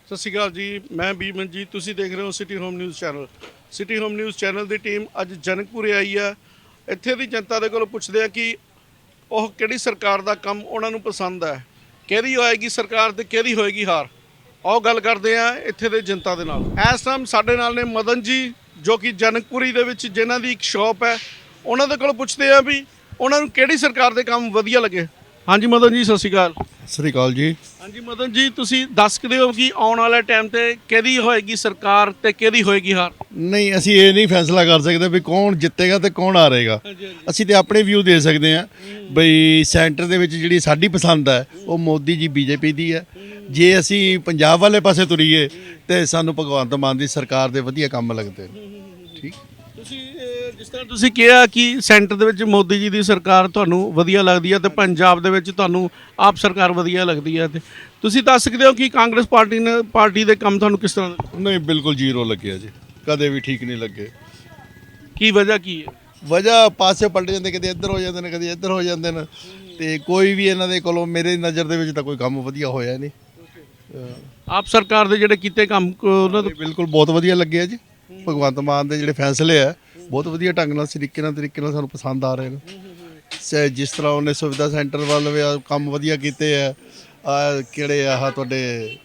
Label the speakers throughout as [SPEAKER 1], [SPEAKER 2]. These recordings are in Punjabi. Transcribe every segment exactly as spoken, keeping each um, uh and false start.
[SPEAKER 1] ਸਤਿ ਸ਼੍ਰੀ ਅਕਾਲ ਜੀ, ਮੈਂ ਬੀਮਨਜੀਤ। ਤੁਸੀਂ ਦੇਖ ਰਹੇ ਹੋ city home news channel. City home news channel ਦੀ ਟੀਮ ਅੱਜ ਜਨਕਪੁਰੇ ਆਈ ਆ। ਇੱਥੇ ਦੀ ਜਨਤਾ ਦੇ ਕੋਲੋਂ ਪੁੱਛਦੇ ਆ ਕਿ ਉਹ ਕਿਹੜੀ ਸਰਕਾਰ ਦਾ ਕੰਮ ਉਹਨਾਂ ਨੂੰ ਪਸੰਦ ਹੈ, ਕਿਹਦੀ ਹੋਏਗੀ ਸਰਕਾਰ ਤੇ ਕਿਹਦੀ ਹੋਏਗੀ ਹਾਰ। ਆਓ ਗੱਲ ਕਰਦੇ ਆ ਇੱਥੇ ਦੇ ਜਨਤਾ ਦੇ ਨਾਲ। ਇਸ ਟਾਈਮ ਸਾਡੇ ਨਾਲ ਨੇ ਮਦਨ ਜੀ, ਜੋ ਕਿ ਜਨਕਪੁਰੀ ਦੇ ਵਿੱਚ ਜਿਨ੍ਹਾਂ ਦੀ ਇੱਕ ਸ਼ਾਪ ਹੈ। ਉਹਨਾਂ ਦੇ ਕੋਲੋਂ ਪੁੱਛਦੇ ਆ ਵੀ ਉਹਨਾਂ ਨੂੰ ਕਿਹੜੀ ਸਰਕਾਰ ਦੇ ਕੰਮ ਵਧੀਆ ਲੱਗੇ। ਹਾਂਜੀ ਮਦਨ ਜੀ, ਸਤਿ ਸ਼੍ਰੀ ਅਕਾਲ।
[SPEAKER 2] ਸਤਿ ਸ੍ਰੀ ਅਕਾਲ ਜੀ।
[SPEAKER 1] ਹਾਂਜੀ ਮਦਨ ਜੀ, ਤੁਸੀਂ ਦੱਸ ਸਕਦੇ ਹੋ ਕਿ ਆਉਣ ਵਾਲੇ ਟਾਈਮ ਤੇ ਕਿਹਦੀ ਹੋਏਗੀ ਸਰਕਾਰ ਤੇ ਕਿਹਦੀ ਹੋਏਗੀ ਹਾਰ।
[SPEAKER 2] ਨਹੀਂ, ਅਸੀਂ ਇਹ ਨਹੀਂ ਫੈਸਲਾ ਕਰ ਸਕਦੇ ਵੀ ਕੌਣ ਜਿੱਤੇਗਾ ਤੇ ਕੌਣ ਹਾਰੇਗਾ। ਅਸੀਂ ਤੇ ਆਪਣੇ ਵਿਊ ਦੇ ਸਕਦੇ ਹਾਂ ਬਈ ਸੈਂਟਰ ਦੇ ਵਿੱਚ ਜਿਹੜੀ ਸਾਡੀ ਪਸੰਦ ਹੈ ਉਹ ਮੋਦੀ ਜੀ ਬੀਜੇਪੀ ਦੀ ਹੈ। ਜੇ ਅਸੀਂ ਪੰਜਾਬ ਵਾਲੇ ਪਾਸੇ ਤੁਰੀਏ ਤੇ ਸਾਨੂੰ ਭਗਵੰਤ ਮਾਨ ਦੀ ਸਰਕਾਰ ਦੇ ਵਧੀਆ ਕੰਮ ਲੱਗਦੇ ਨੇ। ਠੀਕ, ਤੁਸੀਂ
[SPEAKER 1] ਜਿਸ ਤਰ੍ਹਾਂ ਤੁਸੀਂ ਕਿਹਾ ਕਿ ਸੈਂਟਰ ਦੇ ਵਿੱਚ ਮੋਦੀ ਜੀ ਦੀ ਸਰਕਾਰ ਤੁਹਾਨੂੰ ਵਧੀਆ ਲੱਗਦੀ ਹੈ ਤੇ ਪੰਜਾਬ ਦੇ ਵਿੱਚ ਤੁਹਾਨੂੰ ਆਪ ਸਰਕਾਰ ਵਧੀਆ ਲੱਗਦੀ ਹੈ, ਤੇ ਤੁਸੀਂ ਦੱਸ ਸਕਦੇ ਹੋ ਕਿ ਕਾਂਗਰਸ ਪਾਰਟੀ ਨੇ ਪਾਰਟੀ ਦੇ ਕੰਮ ਤੁਹਾਨੂੰ ਕਿਸ ਤਰ੍ਹਾਂ ਦੇ?
[SPEAKER 2] ਨਹੀਂ, ਬਿਲਕੁਲ ਜ਼ੀਰੋ ਲੱਗਿਆ ਜੀ, ਕਦੇ ਵੀ ਠੀਕ ਨਹੀਂ ਲੱਗੇ।
[SPEAKER 1] ਕੀ ਵਜ੍ਹਾ ਕੀ ਹੈ?
[SPEAKER 2] ਵਜ੍ਹਾ ਪਾਸੇ ਪਲਟ ਜਾਂਦੇ, ਕਦੇ ਇੱਧਰ ਹੋ ਜਾਂਦੇ ਨੇ ਕਦੇ ਇੱਧਰ ਹੋ ਜਾਂਦੇ ਨੇ, ਤੇ ਕੋਈ ਵੀ ਇਹਨਾਂ ਦੇ ਕੋਲੋਂ ਮੇਰੀ ਨਜ਼ਰ ਦੇ ਵਿੱਚ ਤਾਂ ਕੋਈ ਕੰਮ ਵਧੀਆ ਹੋਇਆ ਨਹੀਂ।
[SPEAKER 1] ਆਪ ਸਰਕਾਰ ਦੇ ਜਿਹੜੇ ਕੀਤੇ ਕੰਮ ਉਹਨਾਂ ਤੋਂ
[SPEAKER 2] ਬਿਲਕੁਲ ਬਹੁਤ ਵਧੀਆ ਲੱਗੇ ਆ ਜੀ। ਭਗਵੰਤ ਮਾਨ ਦੇ ਜਿਹੜੇ ਫੈਸਲੇ ਆ ਬਹੁਤ ਵਧੀਆ ਢੰਗ ਨਾਲ ਤਰੀਕੇ ਨਾਲ ਤਰੀਕੇ ਨਾਲ ਸਾਨੂੰ ਪਸੰਦ ਆ ਰਹੇ ਨੇ। ਜਿਸ ਤਰ੍ਹਾਂ ਉਹਨੇ ਸੁਵਿਧਾ ਸੈਂਟਰ ਵੱਲ ਵੀ ਕੰਮ ਵਧੀਆ ਕੀਤੇ ਆ, ਆ ਕਿਹੜੇ ਆਹ ਤੁਹਾਡੇ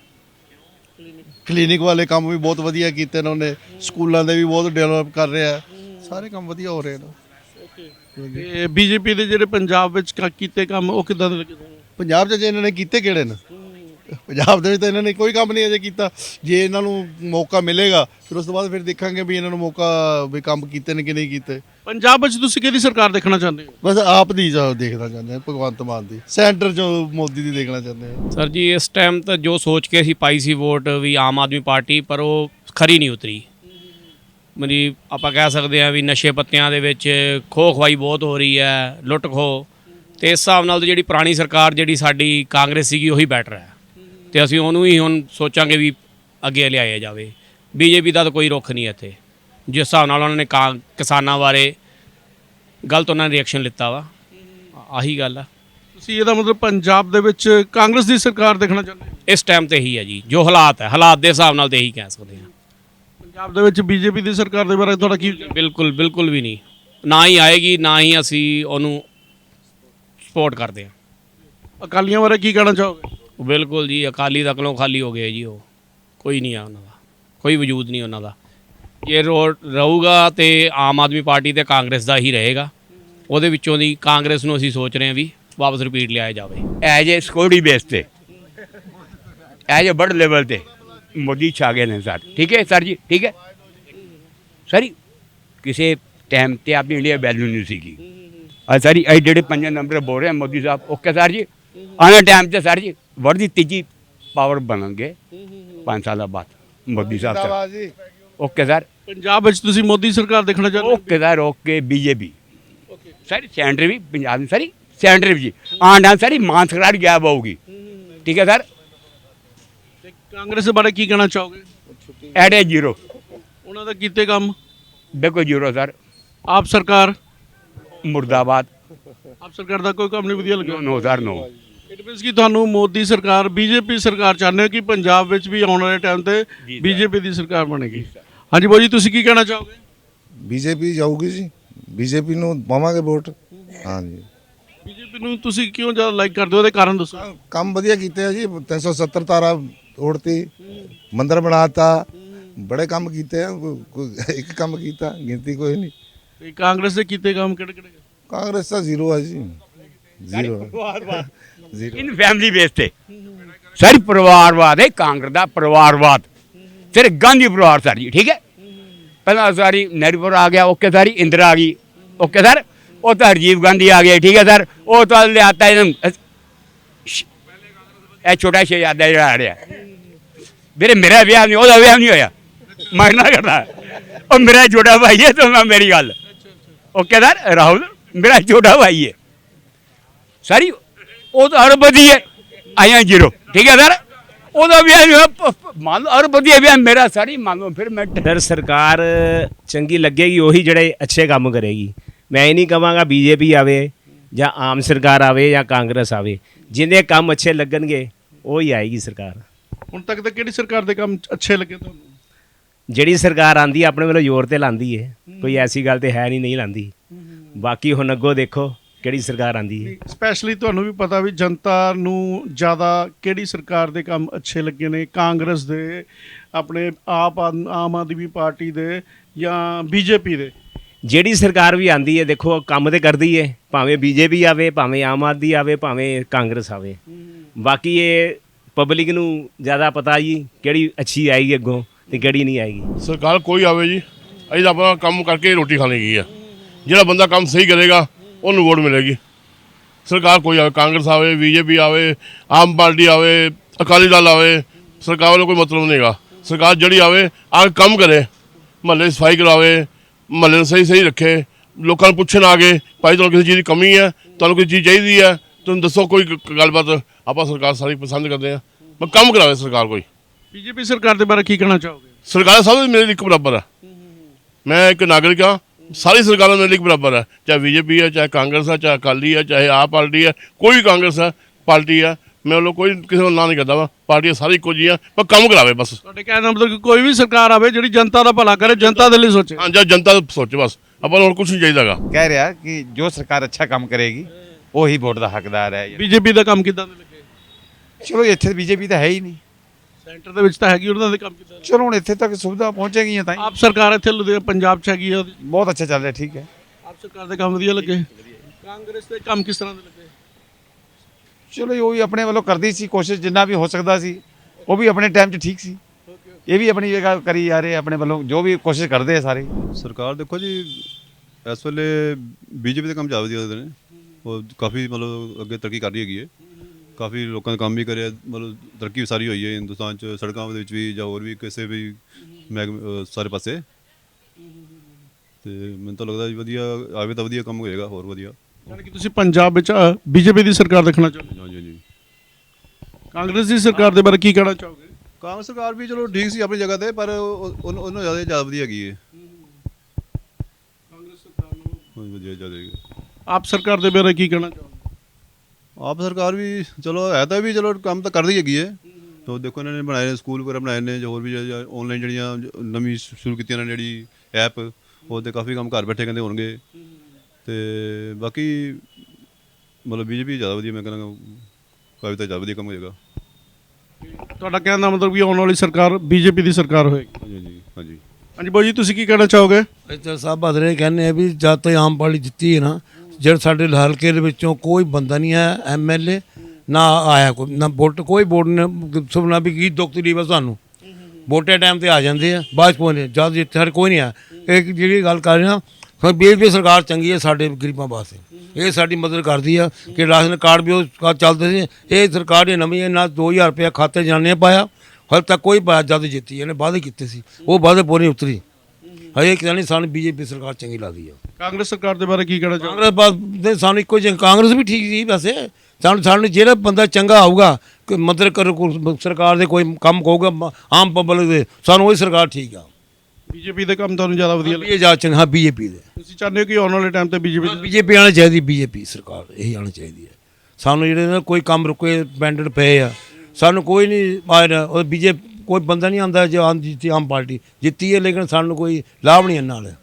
[SPEAKER 2] ਕਲੀਨਿਕ ਵਾਲੇ ਕੰਮ ਵੀ ਬਹੁਤ ਵਧੀਆ ਕੀਤੇ ਨੇ ਉਹਨੇ। ਸਕੂਲਾਂ ਦੇ ਵੀ ਬਹੁਤ ਡਿਵੈਲਪ ਕਰ ਰਿਹਾ, ਸਾਰੇ ਕੰਮ ਵਧੀਆ ਹੋ ਰਹੇ ਨੇ।
[SPEAKER 1] ਤੇ ਬੀਜੇਪੀ ਦੇ ਜਿਹੜੇ ਪੰਜਾਬ ਵਿੱਚ ਕ- ਕੀਤੇ ਕੰਮ ਉਹ ਕਿੱਦਾਂ ਦੇ ਲੱਗੇ ਤੁਹਾਨੂੰ?
[SPEAKER 2] ਪੰਜਾਬ 'ਚ ਜੇ ਇਹਨਾਂ ਨੇ ਕੀਤੇ ਕਿਹੜੇ ਨੇ? ਪੰਜਾਬ ਦੇ ਵਿੱਚ ਤਾਂ ਇਹਨਾਂ ਨੇ ਕੋਈ ਕੰਮ ਨਹੀਂ ਅਜੇ ਕੀਤਾ। ਜੇ ਇਹਨਾਂ ਨੂੰ ਮੌਕਾ ਮਿਲੇਗਾ ਫਿਰ ਉਸ ਤੋਂ ਬਾਅਦ ਫਿਰ ਦੇਖਾਂਗੇ ਵੀ ਇਹਨਾਂ ਨੂੰ ਮੌਕਾ ਵੀ ਕੰਮ ਕੀਤੇ ਨੇ ਕਿ ਨਹੀਂ ਕੀਤੇ।
[SPEAKER 1] ਪੰਜਾਬ ਵਿੱਚ ਤੁਸੀਂ ਕਿਹਦੀ ਸਰਕਾਰ ਦੇਖਣਾ ਚਾਹੁੰਦੇ ਹੋ?
[SPEAKER 2] ਬਸ ਆਪ ਦੀ ਜਾ ਦੇਖਣਾ ਚਾਹੁੰਦੇ ਹਾਂ, ਭਗਵੰਤ ਮਾਨ ਦੀ। ਸੈਂਟਰ 'ਚੋਂ ਮੋਦੀ ਦੀ ਦੇਖਣਾ ਚਾਹੁੰਦੇ ਹਾਂ।
[SPEAKER 3] ਸਰ ਜੀ, ਇਸ ਟਾਈਮ ਤਾਂ ਜੋ ਸੋਚ ਕੇ ਅਸੀਂ ਪਾਈ ਸੀ ਵੋਟ ਵੀ ਆਮ ਆਦਮੀ ਪਾਰਟੀ, ਪਰ ਉਹ ਖਰੀ ਨਹੀਂ ਉਤਰੀ। ਮਤਲਬ ਆਪਾਂ ਕਹਿ ਸਕਦੇ ਹਾਂ ਵੀ ਨਸ਼ੇ ਪੱਤਿਆਂ ਦੇ ਵਿੱਚ ਖੋਹ ਖਵਾਈ ਬਹੁਤ ਹੋ ਰਹੀ ਹੈ, ਲੁੱਟ ਖੋਹ, ਤੇ ਇਸ ਹਿਸਾਬ ਨਾਲ ਤਾਂ ਜਿਹੜੀ ਪੁਰਾਣੀ ਸਰਕਾਰ ਜਿਹੜੀ ਸਾਡੀ ਕਾਂਗਰਸ ਸੀਗੀ ਉਹੀ ਬੈਟਰ ਹੈ, ਤੇ ਅਸੀਂ ਉਹਨੂੰ ਹੀ ਹੁਣ ਸੋਚਾਂਗੇ ਵੀ ਅੱਗੇ ਲਿਆਇਆ ਜਾਵੇ। ਬੀਜੇਪੀ ਦਾ ਤਾਂ ਕੋਈ ਰੁੱਖ ਨਹੀਂ ਇੱਥੇ। ਜਿਸ ਹਿਸਾਬ ਨਾਲ ਉਹਨਾਂ ਨੇ ਕਾਂ ਕਿਸਾਨਾਂ ਬਾਰੇ ਗਲਤ ਉਹਨਾਂ ਨੇ ਰਿਐਕਸ਼ਨ ਲਿੱਤਾ ਵਾ, ਆਹੀ ਗੱਲ ਆ।
[SPEAKER 1] ਤੁਸੀਂ ਇਹਦਾ ਮਤਲਬ ਪੰਜਾਬ ਦੇ ਵਿੱਚ ਕਾਂਗਰਸ ਦੀ ਸਰਕਾਰ ਦੇਖਣਾ ਚਾਹੁੰਦੇ ਹੋ?
[SPEAKER 3] ਇਸ ਟਾਈਮ ਤੇ ਇਹੀ ਹੈ ਜੀ, ਜੋ ਹਾਲਾਤ ਹੈ, ਹਾਲਾਤ ਦੇ ਹਿਸਾਬ ਨਾਲ ਤਾਂ ਇਹੀ ਕਹਿ ਸਕਦੇ ਹਾਂ।
[SPEAKER 1] ਪੰਜਾਬ ਦੇ ਵਿੱਚ ਬੀਜੇਪੀ ਦੀ ਸਰਕਾਰ ਦੇ ਬਾਰੇ ਤੁਹਾਡਾ ਕੀ ਵਿਚਾਰ?
[SPEAKER 3] ਬਿਲਕੁਲ ਬਿਲਕੁਲ ਵੀ ਨਹੀਂ, ਨਾ ਹੀ ਆਏਗੀ, ਨਾ ਹੀ ਅਸੀਂ ਉਹਨੂੰ ਸਪੋਰਟ ਕਰਦੇ ਹਾਂ।
[SPEAKER 1] ਅਕਾਲੀਆਂ ਬਾਰੇ ਕੀ ਕਹਿਣਾ ਚਾਹੋਗੇ?
[SPEAKER 3] ਬਿਲਕੁਲ ਜੀ, ਅਕਾਲੀ ਦਾ ਕਲੋਂ ਖਾਲੀ ਹੋ ਗਏ ਜੀ, ਉਹ ਕੋਈ ਨਹੀਂ ਆ ਉਹਨਾਂ ਦਾ, ਕੋਈ ਵਜੂਦ ਨਹੀਂ ਉਹਨਾਂ ਦਾ। ਜੇ ਰੋ ਰਹੂਗਾ ਤੇ ਆਮ ਆਦਮੀ ਪਾਰਟੀ ਤੇ ਕਾਂਗਰਸ ਦਾ ਹੀ ਰਹੇਗਾ। ਉਹਦੇ ਵਿੱਚੋਂ ਦੀ ਕਾਂਗਰਸ ਨੂੰ ਅਸੀਂ ਸੋਚ ਰਹੇ ਹਾਂ ਵੀ ਵਾਪਸ ਰਿਪੀਟ ਲਿਆਇਆ ਜਾਵੇ।
[SPEAKER 4] ਐਜ ਏ ਸਿਕਿਉਰਿਟੀ ਬੇਸ ਤੇ, ਐਜ ਏ ਬੜ ਲੈਵਲ ਤੇ ਮੋਦੀ ਛਾ ਗਏ ਨੇ ਸਰ। ਠੀਕ ਹੈ ਸਰ ਜੀ, ਠੀਕ ਹੈ ਸਰ। ਕਿਸੇ ਟਾਈਮ ਤੇ ਆਪਣੀ ਇੰਡੀਆ ਵੈਲਿਊ ਨਹੀਂ ਸੀਗੀ। ਆ ਸਰ ਜੀ, ਇਹ ਜਿਹੜੇ ਪੰਜ ਨੰਬਰ ਬੋਲ ਰਹੇ ਮੋਦੀ ਸਾਹਿਬ, ਓਕੇ ਸਰ ਜੀ। ਆਉਣ ਵਾਲੇ ਟਾਈਮ 'ਚ ਸਰ ਜੀ ਵਰਲਡ ਦੀ ਤੀਜੀ ਪਾਵਰ ਬਣਨਗੇ ਪੰਜ ਸਾਲਾਂ ਬਾਅਦ ਮੋਦੀ ਸਾਹਿਬ ਸਰ। Okay sir.
[SPEAKER 1] ਪੰਜਾਬ ਵਿੱਚ ਤੁਸੀਂ ਮੋਦੀ ਸਰਕਾਰ ਦੇਖਣਾ ਚਾਹੁੰਦੇ ਹੋ?
[SPEAKER 4] Okay sir, okay. BJP sir, centre ਵੀ ਪੰਜਾਬ ਦੀ ਸਰ, ਸੈਂਟਰ ਵੀ ਜੀ ਆਉਣ ਟਾਈਮ ਸਰ ਮਾਨ ਸਰਕਾਰ ਗੈਪ ਹੋਊਗੀ। ਠੀਕ ਹੈ ਸਰ।
[SPEAKER 1] ਤੇ ਕਾਂਗਰਸ ਦੇ ਬਾਰੇ ਕੀ ਕਹਿਣਾ ਚਾਹੋਗੇ?
[SPEAKER 4] ਐਟ ਏ ਜ਼ੀਰੋ,
[SPEAKER 1] ਉਹਨਾਂ ਦਾ ਕੀਤੇ ਕੰਮ?
[SPEAKER 4] ਬਿਲਕੁਲ ਜ਼ੀਰੋ ਸਰ।
[SPEAKER 1] ਆਪ ਸਰਕਾਰ?
[SPEAKER 4] ਮੁਰਦਾਬਾਦ।
[SPEAKER 1] ਆਪ ਸਰਕਾਰ ਦਾ ਕੋਈ ਕੰਮ ਨਹੀਂ ਵਧੀਆ ਲੱਗਿਆ?
[SPEAKER 4] No sir, no.
[SPEAKER 1] It means ਕਿ ਤੁਹਾਨੂੰ ਮੋਦੀ ਸਰਕਾਰ, ਬੀਜੇਪੀ ਸਰਕਾਰ ਚਾਹੁੰਦੇ ਹੋ ਕਿ ਪੰਜਾਬ ਵਿੱਚ ਵੀ ਆਉਣ ਵਾਲੇ ਟਾਈਮ ਤੇ ਬੀਜੇਪੀ ਦੀ ਸਰਕਾਰ ਬਣੇਗੀ। ਹਾਂਜੀ ਬਾਊ ਜੀ, ਤੁਸੀਂ ਕੀ ਕਹਿਣਾ ਚਾਹੋਗੇ?
[SPEAKER 5] ਬੀਜੇਪੀ ਜਾਊਗੀ ਜੀ, ਬੀਜੇਪੀ ਨੂੰ ਪਾਵਾਂਗੇ ਵੋਟ। ਹਾਂਜੀ,
[SPEAKER 1] ਬੀਜੇਪੀ ਨੂੰ ਤੁਸੀਂ ਕਿਉਂ ਜ਼ਿਆਦਾ ਲਾਈਕ ਕਰਦੇ ਹੋ, ਉਹਦੇ ਕਾਰਨ ਦੱਸੋ।
[SPEAKER 5] ਕੰਮ ਵਧੀਆ ਕੀਤੇ ਆ ਜੀ। ਤਿੰਨ ਸੌ ਸੱਤਰ ਤਾਰਾ ਤੋੜਤੀ, ਮੰਦਿਰ ਬਣਾਤਾ, ਬੜੇ ਕੰਮ ਕੀਤੇ ਆ। ਕੋਈ ਇੱਕ ਕੰਮ ਕੀਤਾ, ਗਿਣਤੀ ਕੋਈ ਨਹੀਂ।
[SPEAKER 1] ਤੇ ਕਾਂਗਰਸ ਦੇ ਕੀਤੇ ਕੰਮ ਕਿਹੜੇ ਕਿਹੜੇ?
[SPEAKER 5] ਕਾਂਗਰਸ ਦਾ ਜ਼ੀਰੋ ਆ ਜੀ, zero zero.
[SPEAKER 4] In family base ਤੇ ਸਰ ਪਰਿਵਾਰਵਾਦ ਹੈ ਕਾਂਗਰਸ ਦਾ, ਪਰਿਵਾਰਵਾਦ। ਫਿਰ ਗਾਂਧੀ ਪਰਿਵਾਰ ਸਰ ਜੀ, ਠੀਕ ਹੈ। ਪਹਿਲਾਂ ਸਾਰੀ ਨਹਿਰੂ ਆ ਗਿਆ, ਓਕੇ ਸਰ। ਇੰਦਰਾ ਆ ਗਈ, ਓਕੇ ਸਰ। ਉਹ ਤਾਂ ਰਾਜੀਵ ਗਾਂਧੀ ਆ ਗਿਆ, ਠੀਕ ਹੈ ਸਰ। ਉਹ ਤਾਂ ਲਿਆਤਾ ਇਹਨੂੰ ਇਹ ਛੋਟਾ ਸ਼ਹਿਜ਼ਾਦਾ ਜਿਹੜਾ ਆ ਰਿਹਾ। ਵੀਰੇ ਮੇਰਾ ਵਿਆਹ ਨਹੀਂ, ਉਹਦਾ ਵਿਆਹ ਨਹੀਂ ਹੋਇਆ, ਮੈਂ ਨਾ ਕਰਦਾ। ਉਹ ਮੇਰਾ ਛੋਟਾ ਭਾਈ ਹੈ, ਤਾਂ ਮੇਰੀ ਗੱਲ ਓਕੇ ਸਰ। ਰਾਹੁਲ ਮੇਰਾ ਛੋਟਾ ਭਾਈ ਹੈ ਸਾਰੀ, ਉਹ ਤਾਂ ਅਰਬਪਤੀ ਹੈ, ਆਇਆ ਜ਼ੀਰੋ। ਠੀਕ ਹੈ ਸਰ। ਉਹਦਾ ਵਿਆਹ ਮੰਨ ਲਓ ਅਰਬਪਤੀ ਹੈ, ਵਿਆਹ ਮੇਰਾ ਸਾਰੀ ਮੰਨ ਲਓ। ਫਿਰ ਮੈਂ
[SPEAKER 6] ਸਰ ਸਰਕਾਰ ਚੰਗੀ ਲੱਗੇਗੀ ਉਹੀ ਜਿਹੜੇ ਅੱਛੇ ਕੰਮ ਕਰੇਗੀ। ਮੈਂ ਇਹ ਨਹੀਂ ਕਹਾਂਗਾ ਬੀਜੇਪੀ ਆਵੇ ਜਾਂ ਆਮ ਸਰਕਾਰ ਆਵੇ ਜਾਂ ਕਾਂਗਰਸ ਆਵੇ, ਜਿਹਦੇ ਕੰਮ ਅੱਛੇ ਲੱਗਣਗੇ ਉਹ ਹੀ ਆਏਗੀ ਸਰਕਾਰ।
[SPEAKER 1] ਹੁਣ ਤੱਕ ਤਾਂ ਕਿਹੜੀ ਸਰਕਾਰ ਦੇ ਕੰਮ ਅੱਛੇ ਲੱਗੇ ਤੁਹਾਨੂੰ?
[SPEAKER 6] ਜਿਹੜੀ ਸਰਕਾਰ ਆਂਦੀ ਆਪਣੇ ਵੱਲੋਂ ਜ਼ੋਰ ਤੇ ਲਾਂਦੀ ਹੈ, ਕੋਈ ਐਸੀ ਗੱਲ ਤੇ ਹੈ ਨਹੀਂ ਨਹੀਂ ਲਾਂਦੀ। ਬਾਕੀ ਹੁਣ ਅੱਗੋਂ ਦੇਖੋ ਕਿਹੜੀ ਸਰਕਾਰ ਆਂਦੀ ਹੈ।
[SPEAKER 1] ਸਪੈਸ਼ਲੀ ਤੁਹਾਨੂੰ ਵੀ ਪਤਾ ਵੀ ਜਨਤਾ ਨੂੰ ਜ਼ਿਆਦਾ ਕਿਹੜੀ ਸਰਕਾਰ ਦੇ ਕੰਮ ਅੱਛੇ ਲੱਗੇ ਨੇ, ਕਾਂਗਰਸ ਦੇ, ਆਪਣੇ ਆਪ ਆਦ- ਆਮ ਆਦਮੀ ਪਾਰਟੀ ਦੇ ਜਾਂ ਬੀਜੇਪੀ ਦੇ?
[SPEAKER 6] ਜਿਹੜੀ ਸਰਕਾਰ ਵੀ ਆਂਦੀ ਹੈ ਦੇਖੋ ਕੰਮ ਤੇ ਕਰਦੀ ਹੈ, ਭਾਵੇਂ ਬੀਜੇਪੀ ਆਵੇ, ਭਾਵੇਂ ਆਮ ਆਦਮੀ ਆਵੇ, ਭਾਵੇਂ ਕਾਂਗਰਸ ਆਵੇ। ਬਾਕੀ ਇਹ ਪਬਲਿਕ ਨੂੰ ਜ਼ਿਆਦਾ ਪਤਾ ਜੀ ਕਿਹੜੀ ਅੱਛੀ ਆਏਗੀ ਅੱਗੋਂ ਤੇ ਕਿਹੜੀ ਨਹੀਂ ਆਏਗੀ।
[SPEAKER 7] ਸਰਕਾਰ ਕੋਈ ਆਵੇ ਜੀ, ਅਸੀਂ ਤਾਂ ਆਪਣਾ ਕੰਮ ਕਰਕੇ ਰੋਟੀ ਖਾਣੀ ਗਈ ਆ। ਜਿਹੜਾ ਬੰਦਾ ਕੰਮ ਸਹੀ ਕਰੇਗਾ ਉਹਨੂੰ ਵੋਟ ਮਿਲੇਗੀ। ਸਰਕਾਰ ਕੋਈ ਆਵੇ, ਕਾਂਗਰਸ ਆਵੇ, ਬੀਜੇਪੀ ਆਵੇ, ਆਮ ਪਾਰਟੀ ਆਵੇ, ਅਕਾਲੀ ਦਲ ਆਵੇ, ਸਰਕਾਰ ਵੱਲੋਂ ਕੋਈ ਮਤਲਬ ਨਹੀਂ ਹੈਗਾ। ਸਰਕਾਰ ਜਿਹੜੀ ਆਵੇ ਆ ਕੇ ਕੰਮ ਕਰੇ, ਮਹੱਲੇ ਸਫਾਈ ਕਰਾਵੇ, ਮਹੱਲੇ ਨੂੰ ਸਹੀ ਸਹੀ ਰੱਖੇ, ਲੋਕਾਂ ਨੂੰ ਪੁੱਛਣ ਆ ਕੇ ਭਾਈ ਤੁਹਾਨੂੰ ਕਿਸੇ ਚੀਜ਼ ਦੀ ਕਮੀ ਹੈ, ਤੁਹਾਨੂੰ ਕੋਈ ਚੀਜ਼ ਚਾਹੀਦੀ ਹੈ, ਤੁਹਾਨੂੰ ਦੱਸੋ ਕੋਈ ਗ- ਗੱਲਬਾਤ। ਆਪਾਂ ਸਰਕਾਰ ਸਾਰੀ ਪਸੰਦ ਕਰਦੇ ਹਾਂ, ਪਰ ਕੰਮ ਕਰਾਵੇ ਸਰਕਾਰ ਕੋਈ।
[SPEAKER 1] ਬੀਜੇਪੀ ਸਰਕਾਰ ਦੇ ਬਾਰੇ ਕੀ ਕਹਿਣਾ ਚਾਹੋਗੇ?
[SPEAKER 7] ਸਰਕਾਰ ਸਭ ਮੇਰੇ ਲਈ ਇੱਕ ਬਰਾਬਰ ਹੈ। ਮੈਂ ਇੱਕ ਨਾਗਰਿਕ ਹਾਂ, ਸਾਰੀ ਸਰਕਾਰਾਂ ਮੇਰੇ ਲਈ ਇੱਕ ਬਰਾਬਰ ਹੈ, ਚਾਹੇ ਬੀਜੇਪੀ ਹੈ, ਚਾਹੇ ਕਾਂਗਰਸ ਹੈ, ਚਾਹੇ ਅਕਾਲੀ ਹੈ, ਚਾਹੇ ਆਪ ਪਾਰਟੀ ਹੈ, ਕੋਈ ਵੀ ਕਾਂਗਰਸ ਹੈ ਪਾਰਟੀ ਹੈ, ਮੈਂ ਉਹ ਕੋਈ ਕਿਸੇ ਨੂੰ ਨਾ ਨਹੀਂ ਕਰਦਾ ਵਾ। ਪਾਰਟੀਆਂ ਸਾਰੀ ਇੱਕੋ ਜਿਹੀਆਂ, ਪਰ ਕੰਮ ਕਰਾਵੇ ਬਸ।
[SPEAKER 1] ਤੁਹਾਡੇ ਕਹਿਣ ਦਾ ਮਤਲਬ ਕਿ ਕੋਈ ਵੀ ਸਰਕਾਰ ਆਵੇ ਜਿਹੜੀ ਜਨਤਾ ਦਾ ਭਲਾ ਕਰੇ, ਜਨਤਾ ਦੇ ਲਈ ਸੋਚੇ।
[SPEAKER 7] ਹਾਂ, ਜਾਂ ਜਨਤਾ ਸੋਚੇ ਬਸ, ਆਪਾਂ ਨੂੰ ਹੋਰ ਕੁਝ ਨਹੀਂ ਚਾਹੀਦਾਗਾ।
[SPEAKER 8] ਕਹਿ ਰਿਹਾ ਕਿ ਜੋ ਸਰਕਾਰ ਅੱਛਾ ਕੰਮ ਕਰੇਗੀ ਉਹੀ ਵੋਟ ਦਾ ਹੱਕਦਾਰ ਹੈ।
[SPEAKER 1] ਬੀਜੇਪੀ ਦਾ ਕੰਮ ਕਿੱਦਾਂ ਦੇ ਲੱਗੇ?
[SPEAKER 8] ਚਲੋ ਇੱਥੇ ਬੀਜੇਪੀ ਤਾਂ ਹੈ ਹੀ ਨਹੀਂ,
[SPEAKER 1] ਸੈਂਟਰ ਦੇ ਵਿੱਚ ਤਾਂ ਹੈਗੀ, ਉਹਨਾਂ ਦੇ ਕੰਮ ਕਿੱਦਾਂ ਦੇ?
[SPEAKER 8] ਚਲੋ ਹੁਣ ਇੱਥੇ ਤੱਕ ਸੁਵਿਧਾ ਪਹੁੰਚੇਗੀਆਂ ਤਾਂ ਹੀ।
[SPEAKER 1] ਆਪ ਸਰਕਾਰ ਇੱਥੇ ਲੁਧਿਆਣਾ ਪੰਜਾਬ 'ਚ ਹੈਗੀ ਆ, ਉਹਦੀ
[SPEAKER 8] ਬਹੁਤ ਅੱਛਾ ਚੱਲ ਰਿਹਾ, ਠੀਕ ਹੈ।
[SPEAKER 1] ਆਪ ਸਰਕਾਰ ਦੇ ਕੰਮ ਵਧੀਆ ਲੱਗੇ? ਕਾਂਗਰਸ ਦੇ ਕੰਮ ਕਿਸ ਤਰ੍ਹਾਂ ਦੇ ਲੱਗੇ?
[SPEAKER 8] ਚਲੋ ਉਹ ਵੀ ਆਪਣੇ ਵੱਲੋਂ ਕਰਦੀ ਸੀ ਕੋਸ਼ਿਸ਼, ਜਿੰਨਾ ਵੀ ਹੋ ਸਕਦਾ ਸੀ ਉਹ ਵੀ ਆਪਣੇ ਟਾਈਮ 'ਚ ਠੀਕ ਸੀ। ਇਹ ਵੀ ਆਪਣੀ ਜਗ੍ਹਾ ਕਰੀ ਜਾ ਰਹੇ ਆਪਣੇ ਵੱਲੋਂ, ਜੋ ਵੀ ਕੋਸ਼ਿਸ਼ ਕਰਦੇ ਆ ਸਾਰੇ।
[SPEAKER 9] ਸਰਕਾਰ ਦੇਖੋ ਜੀ ਇਸ ਵੇਲੇ ਬੀਜੇਪੀ ਦੇ ਕੰਮ ਜ਼ਿਆਦਾ ਵਧੀਆ ਹੋਏ ਨੇ, ਉਹ ਕਾਫੀ ਮਤਲਬ ਅੱਗੇ ਤਰੱਕੀ ਕਰ ਰਹੀ ਹੈਗੀ ਹੈ। ਕਾਫੀ ਲੋਕਾਂ ਦਾ ਕੰਮ ਵੀ ਕਰਿਆ, ਮਤਲਬ ਤਰੱਕੀ ਵੀ ਸਾਰੀ ਹੋਈ ਹੈ ਹਿੰਦੁਸਤਾਨ 'ਚ, ਸੜਕਾਂ ਦੇ ਵਿੱਚ ਵੀ ਜਾਂ ਹੋਰ ਵੀ ਕਿਸੇ ਵੀ ਮੈਗ ਅਹ ਸਾਰੇ ਪਾਸੇ। ਤੇ ਮੈਨੂੰ ਤਾਂ ਲੱਗਦਾ ਜੀ ਵਧੀਆ ਆਵੇ ਤਾਂ ਵਧੀਆ ਕੰਮ ਹੋਏਗਾ, ਹੋਰ ਵਧੀਆ।
[SPEAKER 1] ਯਾਨੀ ਕਿ ਤੁਸੀਂ ਪੰਜਾਬ ਵਿੱਚ ਬੀਜੇਪੀ ਦੀ ਸਰਕਾਰ ਦੇਖਣਾ ਚਾਹੁੰਦੇ ਹੋ?
[SPEAKER 9] ਹਾਂਜੀ ਹਾਂਜੀ।
[SPEAKER 1] ਕਾਂਗਰਸ ਦੀ ਸਰਕਾਰ ਦੇ ਬਾਰੇ ਕੀ ਕਹਿਣਾ ਚਾਹੋਗੇ?
[SPEAKER 9] ਕਾਂਗਰਸ ਸਰਕਾਰ ਵੀ ਚਲੋ ਠੀਕ ਸੀ ਆਪਣੀ ਜਗ੍ਹਾ ਤੇ, ਪਰ ਉਹ- ਉਹਨੂੰ ਉਹਨੂੰ ਜ਼ਿਆਦਾ ਜ਼ਿਆਦਾ ਵਧੀਆ ਹੈਗੀ ਹੈ।
[SPEAKER 1] ਕਾਂਗਰਸ ਸਰਕਾਰ ਨੂੰ
[SPEAKER 9] ਹਾਂਜੀ, ਵਧੀਆ ਜ਼ਿਆਦਾ ਹੈਗੀ ਹੈ।
[SPEAKER 1] ਆਪ ਸਰਕਾਰ ਦੇ ਬਾਰੇ ਕੀ ਕਹਿਣਾ ਚਾਹੋਗੇ?
[SPEAKER 9] ਆਪ ਸਰਕਾਰ ਵੀ ਚਲੋ ਹੈ ਤਾਂ ਵੀ ਚਲੋ ਕੰਮ ਤਾਂ ਕਰਦੀ ਹੈਗੀ ਹੈ। ਤੋ ਦੇਖੋ ਇਹਨਾਂ ਨੇ ਬਣਾਏ ਨੇ ਸਕੂਲ ਵਗੈਰਾ ਬਣਾਏ ਨੇ, ਹੋਰ ਵੀ ਆਨਲਾਈਨ ਜਿਹੜੀਆਂ ਨਵੀਂ ਸ਼ੁਰੂ ਕੀਤੀਆਂ ਨੇ ਜਿਹੜੀ ਐਪ, ਉਹਦੇ ਕਾਫੀ ਕੰਮ ਘਰ ਬੈਠੇ ਕਹਿੰਦੇ ਹੋਣਗੇ। ਤੇ ਬਾਕੀ ਮਤਲਬ ਬੀਜੇਪੀ ਜ਼ਿਆਦਾ ਵਧੀਆ, ਮੈਂ ਕਹਿੰਦਾ ਕਾਫੀ ਤਾਂ ਜ਼ਿਆਦਾ ਵਧੀਆ ਕੰਮ ਹੋਏਗਾ।
[SPEAKER 1] ਤੁਹਾਡਾ ਕਹਿਣ ਦਾ ਮਤਲਬ ਕਿ ਆਉਣ ਵਾਲੀ ਸਰਕਾਰ ਬੀਜੇਪੀ ਦੀ ਸਰਕਾਰ ਹੋਏਗੀ?
[SPEAKER 9] ਹਾਂਜੀ ਹਾਂਜੀ ਹਾਂਜੀ।
[SPEAKER 1] ਹਾਂਜੀ ਬਾਊ ਜੀ, ਤੁਸੀਂ ਕੀ ਕਹਿਣਾ ਚਾਹੋਗੇ?
[SPEAKER 10] ਇੱਥੇ ਸਭ ਬਦਲੇ ਕਹਿੰਦੇ ਆ ਵੀ ਜਦ ਤੋਂ ਆਮ ਪਾਰਟੀ ਜਿੱਤੀ ਹੈ ਨਾ, ਜਿਹੜੇ ਸਾਡੇ ਹਲਕੇ ਦੇ ਵਿੱਚੋਂ ਕੋਈ ਬੰਦਾ ਨਹੀਂ ਆਇਆ ਐਮ ਐਲ ਏ, ਨਾ ਆਇਆ ਕੋਈ, ਨਾ ਵੋਟ, ਕੋਈ ਵੋਟ ਨੇ ਸੁਣਨਾ ਵੀ ਕੀ ਦੁੱਖ ਤਕਲੀਫ ਹੈ ਸਾਨੂੰ। ਵੋਟੇ ਟਾਈਮ ਤੇ ਆ ਜਾਂਦੇ ਆ, ਬਾਅਦ 'ਚ ਪਹੁੰਚਦੇ ਜਦ ਜਿੱਥੇ ਸਾਡੇ ਕੋਈ ਨਹੀਂ ਆਇਆ। ਇਹ ਜਿਹੜੀ ਗੱਲ ਕਰ ਰਹੇ ਨਾ, ਬੀਜੇਪੀ ਸਰਕਾਰ ਚੰਗੀ ਹੈ ਸਾਡੇ ਗਰੀਬਾਂ ਵਾਸਤੇ, ਇਹ ਸਾਡੀ ਮਦਦ ਕਰਦੀ ਆ। ਕਿ ਰਾਸ਼ਨ ਕਾਰਡ ਵੀ ਉਹ ਚੱਲਦੇ ਸੀ, ਇਹ ਸਰਕਾਰ ਨੇ ਨਵੀਂ ਨਾ ਦੋ ਹਜ਼ਾਰ ਰੁਪਇਆ ਖਾਤੇ ਜਾਣੇ ਪਾਇਆ, ਹਾਲੇ ਤੱਕ ਕੋਈ ਪਾਇਆ। ਜਦ ਜਿੱਤੀ ਇਹਨੇ ਵਾਅਦੇ ਕੀਤੇ ਸੀ, ਉਹ ਵਾਅਦੇ ਪੂਰੇ ਉਤਰੀ। ਹਜੇ ਕਹਿੰਦੇ ਸਾਨੂੰ ਬੀਜੇਪੀ ਸਰਕਾਰ ਚੰਗੀ ਲੱਗਦੀ ਆ।
[SPEAKER 1] ਕਾਂਗਰਸ ਸਰਕਾਰ ਦੇ ਬਾਰੇ ਕੀ ਕਹਿਣਾ ਚਾਹੋਗੇ?
[SPEAKER 10] ਕਾਂਗਰਸ ਬਾਤ ਸਾਨੂੰ ਇੱਕੋ ਜਿਹੀ, ਕਾਂਗਰਸ ਵੀ ਠੀਕ ਸੀ ਵੈਸੇ। ਸਾਨੂੰ ਸਾਨੂੰ ਜਿਹੜਾ ਬੰਦਾ ਚੰਗਾ ਆਊਗਾ, ਕੋਈ ਮਦਦ ਕਰ ਸਰਕਾਰ ਦੇ ਕੋਈ ਕੰਮ ਕਹੂਗਾ ਆਮ ਪਬਲਿਕ ਦੇ, ਸਾਨੂੰ ਉਹੀ ਸਰਕਾਰ ਠੀਕ ਆ।
[SPEAKER 1] ਬੀਜੇਪੀ ਦੇ ਕੰਮ ਤੁਹਾਨੂੰ ਜ਼ਿਆਦਾ ਵਧੀਆ ਲੱਗੇ?
[SPEAKER 10] ਇਹ ਜਾ ਚੰਗਾ ਬੀਜੇਪੀ ਦੇ,
[SPEAKER 1] ਤੁਸੀਂ ਚਾਹੁੰਦੇ ਹੋ ਕਿ ਆਉਣ ਵਾਲੇ ਟਾਈਮ ਤੇ ਬੀਜੇਪੀ
[SPEAKER 10] ਬੀਜੇਪੀ ਆਉਣੀ ਚਾਹੀਦੀ, ਬੀਜੇਪੀ ਸਰਕਾਰ ਇਹੀ ਆਉਣੀ ਚਾਹੀਦੀ ਹੈ। ਸਾਨੂੰ ਜਿਹੜੇ ਨਾ ਕੋਈ ਕੰਮ ਰੁਕੇ ਪੈਂਡਡ ਪਏ ਆ, ਸਾਨੂੰ ਕੋਈ ਨਹੀਂ ਆਇਆ। ਉਹ ਬੀਜੇਪੀ ਕੋਈ ਬੰਦਾ ਨਹੀਂ ਆਉਂਦਾ ਜੋ ਆਮ ਜਿੱਤੀ, ਆਮ ਪਾਰਟੀ ਜਿੱਤੀ ਹੈ, ਲੇਕਿਨ ਸਾਨੂੰ ਕੋਈ ਲਾਭ ਨਹੀਂ ਇਹਨਾਂ ਨਾਲ।